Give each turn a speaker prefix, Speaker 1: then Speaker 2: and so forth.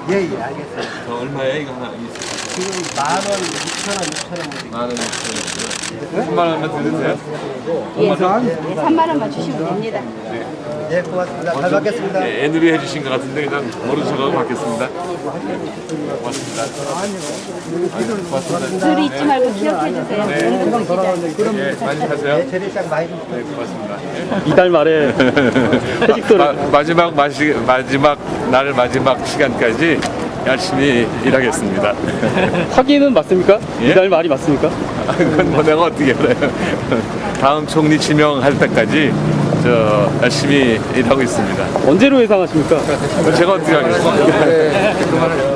Speaker 1: 예, 예, 알겠어요.
Speaker 2: 저 얼마예요 이거 하나?
Speaker 1: 지금 10,000원, 6,000원, 6,000원.
Speaker 2: 만 원, 6천 원. 3만 원만 드리세요?
Speaker 3: 예, 3만 원만 주시면 됩니다.
Speaker 1: 예, 고맙습니다. 잘 받겠습니다.
Speaker 2: 네, 애누리 해주신 것 같은데 그냥 모르셔서 받겠습니다. 고맙습니다. 고맙습니다.
Speaker 3: 늘 잊지 말고 기억해 주세요. 연금시장.
Speaker 2: 예, 많이 가세요.
Speaker 1: 네, 재래시장 많이 좀
Speaker 2: 네, 고맙습니다.
Speaker 4: 이달 말에 회식도를
Speaker 2: 마지막 날 마지막 시간까지 열심히 일하겠습니다.
Speaker 4: 확인은 맞습니까?
Speaker 2: 예?
Speaker 4: 이달 말이 맞습니까?
Speaker 2: 그건 뭐 내가 어떻게 알아요? 다음 총리 지명할 때까지 저 열심히 일하고 있습니다.
Speaker 4: 언제로 예상하십니까?
Speaker 2: 제가 어떻게 하겠습니까?